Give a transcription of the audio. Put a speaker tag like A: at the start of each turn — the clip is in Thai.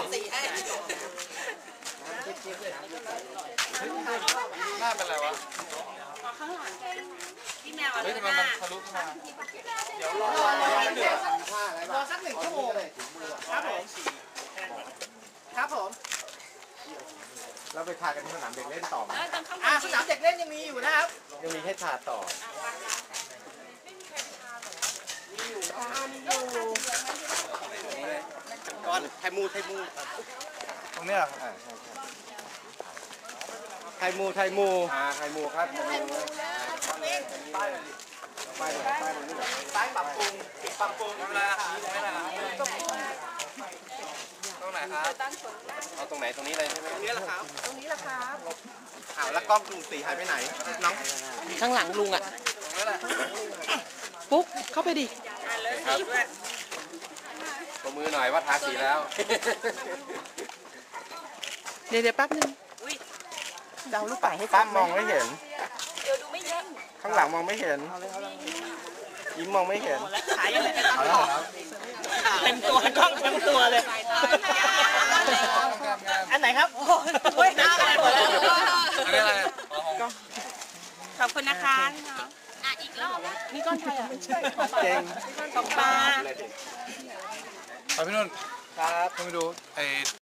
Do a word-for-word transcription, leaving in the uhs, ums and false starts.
A: สีให้
B: หน้าเป็นไรวะ
A: ข้างหลังพี่แมว
B: เฮ้ยทำไมมันทะลุขึ้นมาเดี๋ยวรอ
C: รอสักหนึ่งชั่วโมงครับผมครับผม
D: เราไปทากันที่สนามเด็กเล่นต่อไหม
C: อ่าสนามเด็กเล่นยังมีอยู่นะครับ
D: ยังมีให้ทาต่อ
C: ก่อนไทมูไทมู
B: ตรงเนี้ย
D: ไทมูไทมูอ่าไทมูครับไทมูป้ายป้ายป้ายนี่
C: ป้ายปรับปรุงปรับปรุง
B: ทำอะไรอ่ะไม่ได้ตรงไหนครับ
D: เอาตรงไหนตรงนี้เลยใช่ไหม
C: ตรงนี้แหละครับ
A: ตรงนี้แหละครับ
D: อ้าวแล้วกล้องกรุงศรีหายไปไหนน้อง
A: ข้างหลังลุงอ่ะ
B: ตรงนี้แหละ
A: ปุ๊กเข้าไปดิ
D: ครับตัวมือหน่อยว่าทาสีแล้ว
A: เดี๋ยวเดี๋ยวแป๊บนึงเดาลูกป่าให้
D: ตั้มมองไม่เห็น
A: เดี๋ยวดูไม่เห็น
D: ข้างหลังมองไม่เห็นยิ้มมองไม่เห็น
A: ขายยังไง
D: เอาแล้วครับ
C: เต็มตัวกล้องเต็มตัวเลยอันไหนครับโอ้ยหน้าอะไรหมดแล้ว
B: อันนี้อะไร
A: ขอบคุณนะคะอ่ะอีกรอบนี่ก้อนไทยอ่ะ
D: เก่ง
A: ของปลา
B: ไปพี่นุ่น
D: ครับ
B: ต้องไปดูไอ้